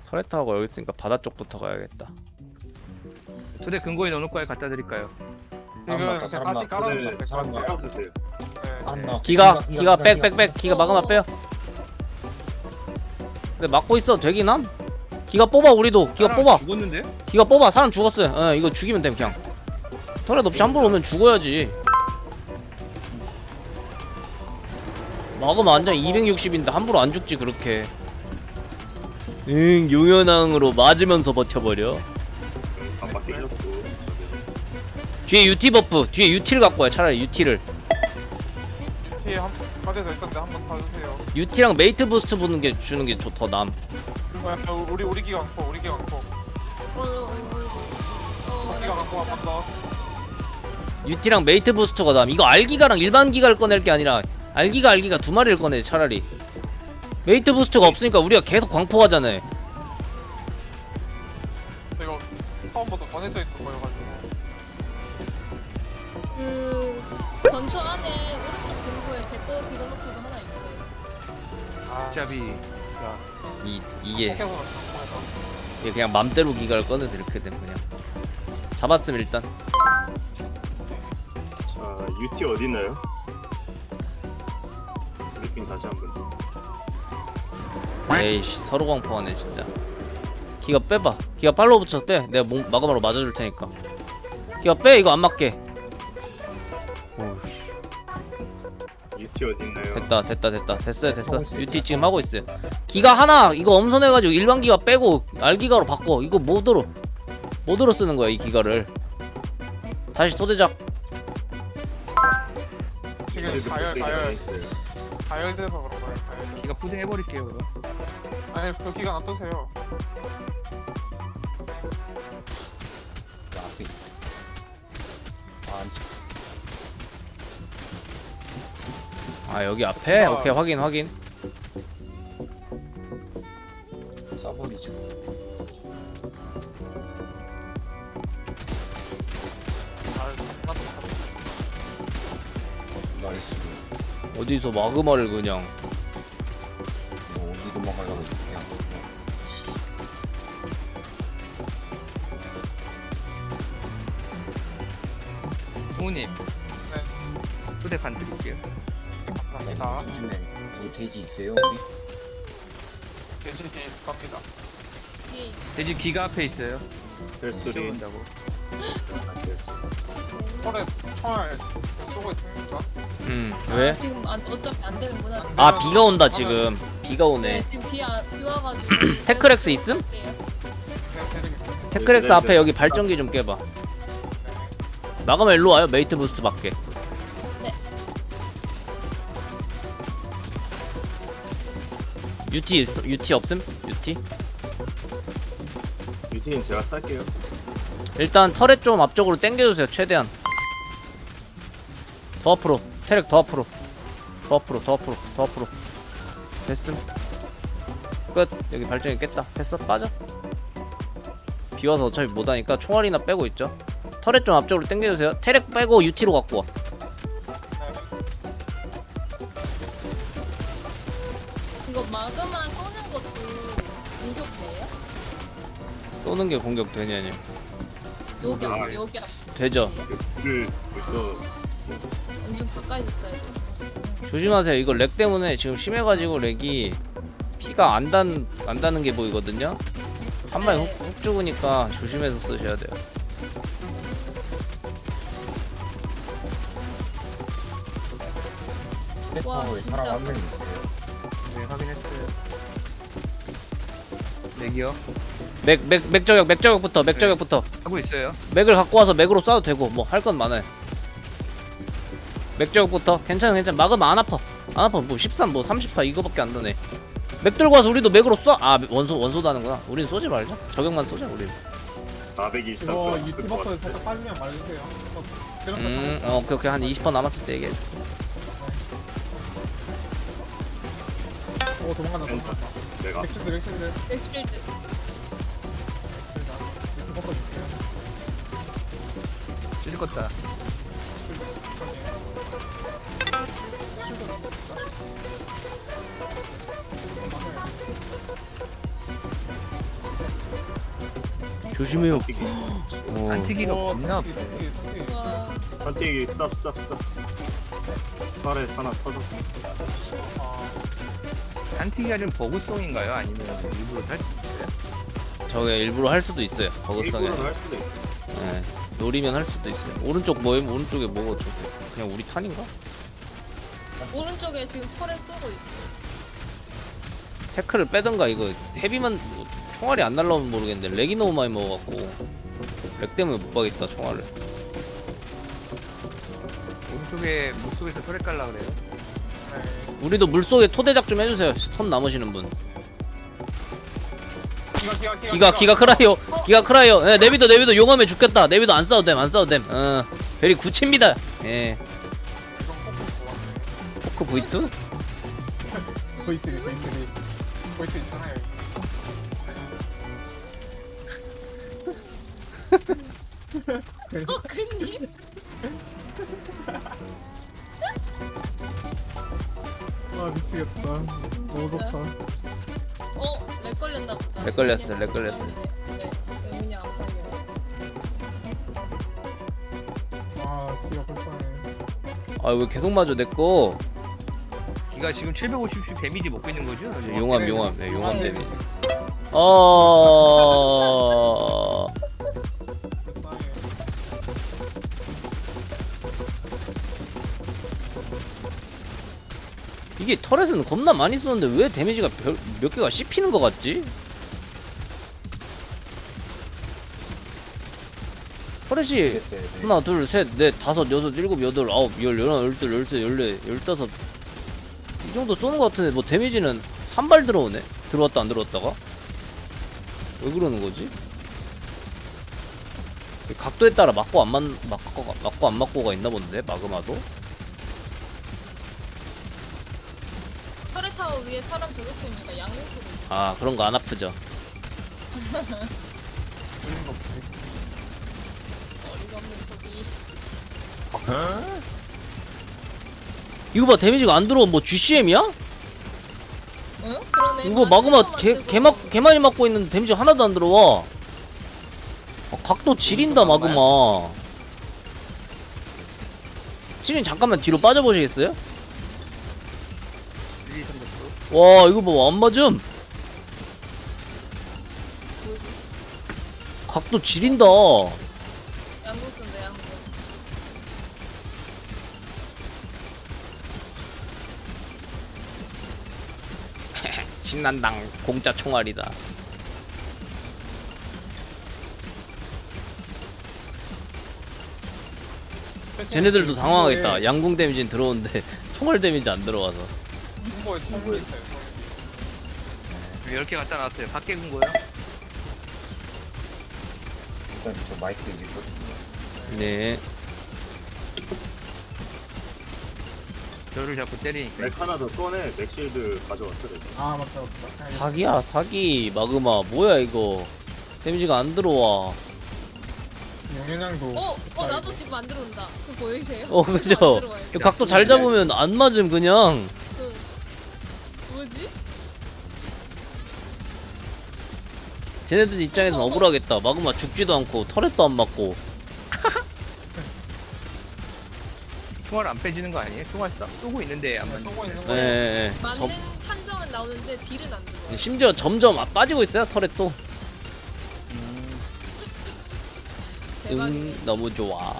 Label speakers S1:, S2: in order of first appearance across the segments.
S1: 터렛하고 여기 있으니까 바다 쪽부터 가야겠다.
S2: 두 대 근거에 넣어놓을 거에 갖다 드릴까요?
S3: 지금 그냥 같이 깔아주시면 될것
S4: 사람
S3: 같아요.
S4: 나가주세요.
S3: 네.
S1: 기가 빽 기가 마그마 빼요. 근데 막고 있어 되긴 함? 기가 뽑아 우리도 기가
S2: 사람
S1: 뽑아.
S2: 죽었는데?
S1: 기가 뽑아. 사람 죽었어요. 어, 이거 죽이면 됨 그냥. 터렛 없이 함부로 오면 죽어야지. 마그마 완전 260인데 함부로 안 죽지 그렇게. 응 용연왕으로 맞으면서 버텨버려.
S4: 아빠 깨졌고.
S1: 뒤에 UT 버프 뒤에 UT를 갖고 와요. 차라리 UT를.
S3: 뒤에 한 바닥에서 있던데 한번 봐주세요.
S1: UT랑 메이트 부스트 주는 게 더 남.
S3: 우리 기가 많고 우리 기가 많고 우리 기가 많고 한 번 더.
S1: UT랑 메이트 부스트가 남. 이거 알기가랑 일반 기가를 꺼낼 게 아니라 알기가 두 마리를 꺼내 차라리. 메이트 부스트가 없으니까 우리가 계속 광포하잖아.
S3: 이거 처음부터 권해져 있는 거여가지고.
S5: 건초 안에 오른쪽 공구에 제거 기본호프도 하나 있어요.
S3: 아,
S2: 어차피
S1: 이게
S3: 포켓몬 공에서.
S1: 이게 그냥 맘대로 기가를 꺼내서 이렇게 되면 그냥 잡았음 일단.
S4: 자, UT 어디 있나요? 브리핑 다시 한번.
S1: 에이씨 서로 광포하네 진짜. 기가 빼봐. 기가 팔로우 붙여서 빼. 내가 마감으로 맞아줄 테니까. 기가 빼. 이거 안 맞게. 오우씨.
S4: UT 어디 있나요?
S1: 됐어요. UT 지금 하고 있어요. 기가 하나 이거 엄선해가지고 일반 기가 빼고 알기가로 바꿔. 이거 모드로 쓰는 거야 이 기가를. 다시 토대작.
S3: 지금 가열돼서 그런 거예요. 가열.
S2: 기가 푸딩 해버릴게요 그럼.
S3: 아니 그 기가 놔두세요.
S1: 아 여기 앞에? 오케이 확인.
S6: 써버리죠.
S3: 아 끝났어.
S6: 나이스.
S1: 어디서 마그마를 그냥.
S6: 뭐 어디 도망가려고 그냥.
S2: 성우님
S3: 네.
S2: 두 대 반 드릴게요.
S3: 감사합니다.
S6: 요즘에 이 돼지 있어요 우리?
S3: 돼지 뒤에 있을 겁니다.
S5: 뒤에 있어요.
S2: 돼지 기가 앞에 있어요.
S4: 벨소리.
S2: 치워본다고.
S3: 털에 총알 쏘고 있습니까?
S1: 왜?
S5: 지금 어차피 안 되는구나.
S1: 아 비가 온다 지금. 비가
S5: 네,
S1: 오네.
S5: 지금 비 와가지고.
S1: 테크렉스 있음?
S3: 네, 드리겠습니다.
S1: 테크렉스 앞에 여기 발전기 좀 깨봐. 마그마 일로 와요. 메이트 부스트 밖에.
S5: 네.
S1: UT 없음? UT?
S4: UT는 제가 딸게요.
S1: 일단 터렛 좀 앞쪽으로 당겨주세요. 최대한. 더 앞으로. 테렉 더 앞으로. 더 앞으로. 됐음. 끝. 여기 발전기 깼다. 됐어. 빠져. 비와서 어차피 못하니까 총알이나 빼고 있죠. 터렛 좀 앞쪽으로 당겨주세요. 테렉 빼고 UT로 갖고 와.
S5: 이거 마그마 쏘는 것도 공격돼요?
S1: 쏘는 게 공격 되냐니.
S5: 여기
S4: 아,
S5: 앞, 여기 앞.
S1: 되죠.
S4: 불을 벌써
S5: 엄청 가까이 있어야 돼.
S1: 조심하세요. 이거 렉 때문에 지금 심해가지고 렉이 피가 안 닿는 게 보이거든요. 한 방에
S5: 네.
S1: 훅 죽으니까 조심해서 쓰셔야 돼요.
S5: 와,
S6: 페퍼에
S5: 진짜.
S6: 사람 한 명 있어요.
S2: 네 확인했어요. 맥이요.
S1: 맥저격부터.
S2: 하고 있어요.
S1: 맥을 갖고 와서 맥으로 쏴도 되고 뭐 할 건 많아요. 맥저격부터 괜찮아. 막으면 안 아파 뭐 13 뭐 34 이거밖에 안 되네. 맥 들고 와서 우리도 맥으로 쏴. 아 원소도 하는구나. 우린 쏘지 말자. 저격만 쏘자 우린.
S4: 423.
S3: 이거 유티 버퍼에 살짝 빠지면 말해주세요.
S1: 오케이 한 20% 남았을 때 얘기해줘.
S3: 오 도망간다.
S4: 내가
S3: 렉실드.
S5: 엑스필드.
S3: 유티 버퍼 줄게요.
S2: 찔 껐다.
S1: 조심해요.
S4: 한티기.
S1: 어.
S2: 안티기가
S3: 오,
S2: 겁나
S3: 토끼,
S2: 아프네.
S3: 토끼, 토끼.
S5: 와.
S4: 한티기 스탑. 팔에 하나 터졌어.
S3: 아,
S2: 안티기가 좀 버그성인가요? 아니면 일부러 할 수 있어요?
S1: 저게 일부러 할 수도 있어요. 버그성에.
S4: 일부러는 할 수도 있어.
S1: 예. 노리면 할 수도 있어요. 오른쪽 뭐임? 오른쪽에 뭐고 저게? 그냥 우리 탄인가?
S5: 오른쪽에 지금 털에 쏘고 있어.
S1: 태클을 빼던가 이거 헤비만 총알이 안 날라오면 모르겠는데 렉이 너무 많이 먹어갖고 렉 때문에 못 박겠다 총알을.
S2: 오른쪽에 물속에서 털에 깔라 그래요?
S3: 네.
S1: 우리도 물속에 토대작 좀 해주세요. 손 남으시는 분. 기가 크라이요. 기가 크라이요. 예, 네비도 용암에 죽겠다. 네비도 안 싸워도 됨. 베리 구치입니다. 예. 포크 V2?
S3: 보이스 있잖아요.
S5: 큰님.
S3: 아 미치겠다. 너무 좋다.
S5: 렉 걸렸나 보다.
S1: 렉 걸렸어, 렉 걸렸어.
S5: 네, 의문이 안 걸려.
S3: 아 기가 불쌍해.
S1: 아 왜 계속 맞아 내꺼.
S2: 기가 지금 750씩 데미지 먹고 있는 거죠?
S1: 용암. 네, 용암 데미지. 어.
S3: 불쌍해.
S1: 이게 터렛은 겁나 많이 쏘는데 왜 데미지가 몇 개가 씹히는 것 같지? 터렛이 하나, 둘, 셋, 넷, 다섯, 여섯, 일곱, 여덟, 아홉, 열, 열하나, 열둘, 열셋, 열네, 열다섯 이 정도 쏘는 것 같은데 뭐 데미지는 한 발 들어오네? 들어왔다 안 들어왔다가? 왜 그러는 거지? 각도에 따라 맞고 안 맞고가 있나 본데 마그마도?
S5: 털에 타워 위에 사람 저격 쏘니까 양궁 쏘고 있어.
S1: 아 그런 거 안 아프죠?
S3: 틀린 거 없지.
S5: 어리가 없는 소리.
S1: 이거 봐 데미지가 안 들어온 뭐 GCM이야?
S5: 응? 그러네.
S1: 이거 마그마 개 많이 맞고 있는데 데미지 하나도 안 들어와. 각도 지린다 마그마. 지린 잠깐만 뒤로 빠져보시겠어요? 와 이거 봐 안 맞음.
S5: 뭐지?
S1: 각도 지린다.
S5: 양궁 쏜다 양궁.
S1: 신난당 공짜 총알이다. 쟤네들도 당황하겠다. 양궁 데미지는 들어오는데 총알 데미지 안 들어와서.
S3: 홍보에 총이 있어요.
S2: 10개 갖다 놨어요. 밖에 군 거요?
S6: 일단 저 마이크 있거든요.
S1: 네.
S2: 저를 자꾸 때리니까.
S4: 맥 하나 더 꺼내. 맥실드 가져왔어. 내가.
S3: 아 맞다.
S1: 사기야 사기. 마그마 뭐야 이거. 데미지가 안 들어와.
S3: 용현양도.
S5: 나도 지금 안 들어온다. 저 보이세요?
S1: 그죠?
S5: 안 들어와요.
S1: 이거 각도 잘 잡으면 안 맞음 그냥.
S5: 뭐지?
S1: 쟤네들 입장에서는 억울하겠다. 마그마 죽지도 않고 터렛도 안 맞고.
S2: 총알 안 빼지는 거 아니에요? 총알 쏘고 있는데 안 맞는
S3: 쏘고 있는
S1: 예,
S3: 거예요.
S1: 예, 예.
S5: 맞는 판정은 나오는데 딜은 안 들어와.
S1: 심지어 점점 빠지고 있어요 터렛도.
S5: 대박이네.
S1: 너무 좋아.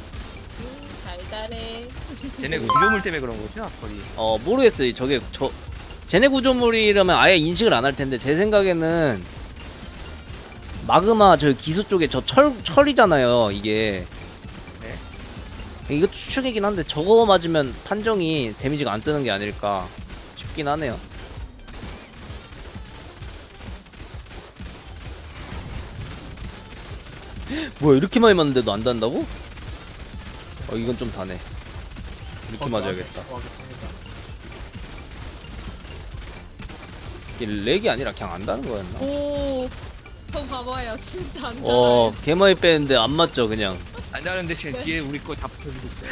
S5: 달달해.
S2: 쟤네 구조물 때문에 그런 거죠? 거의.
S1: 모르겠어요. 저게 쟤네 구조물이라면 아예 인식을 안 할 텐데 제 생각에는 마그마 저 기수 쪽에 저 철이잖아요 이게.
S2: 네.
S1: 이것도 추측이긴 한데 저거 맞으면 판정이 데미지가 안 뜨는 게 아닐까 싶긴 하네요. 뭐야 이렇게 많이 맞는데도 안 단다고? 이건 좀 다네. 이렇게 맞아야겠다. 이게 렉이 아니라 그냥 안 다는 거였나?
S5: 오, 저 봐봐요. 진짜 안 달아요.
S1: 개 많이 빼는데 안 맞죠 그냥.
S2: 안 나는데 지금
S5: 네.
S2: 뒤에 우리 거 다 붙어주고 있어요.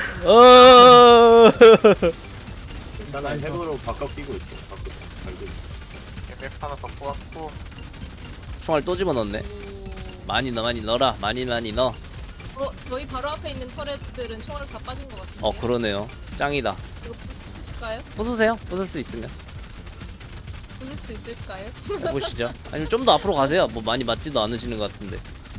S4: 일단은 해보로 바꿔 끼고 있어. 바꿔 갈고 있어.
S3: 맥 하나 더 뽑았고.
S1: 총알 또 집어넣네.
S5: 오.
S1: 많이 넣어라. 많이 넣어.
S5: 저희 바로 앞에 있는 터렛들은 총알 다 빠진 것 같은데.
S1: 그러네요. 짱이다.
S5: 이거 부수실까요?
S1: 부수세요. 부술 수 있으면.
S5: 부술 수 있을까요?
S1: 해보시죠. 아니면 좀 더 앞으로 가세요. 뭐 많이 맞지도 않으시는 것 같은데.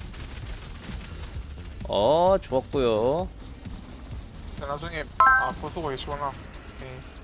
S1: 좋았고요.
S3: 나중에 보수고 계시구나. 오케이.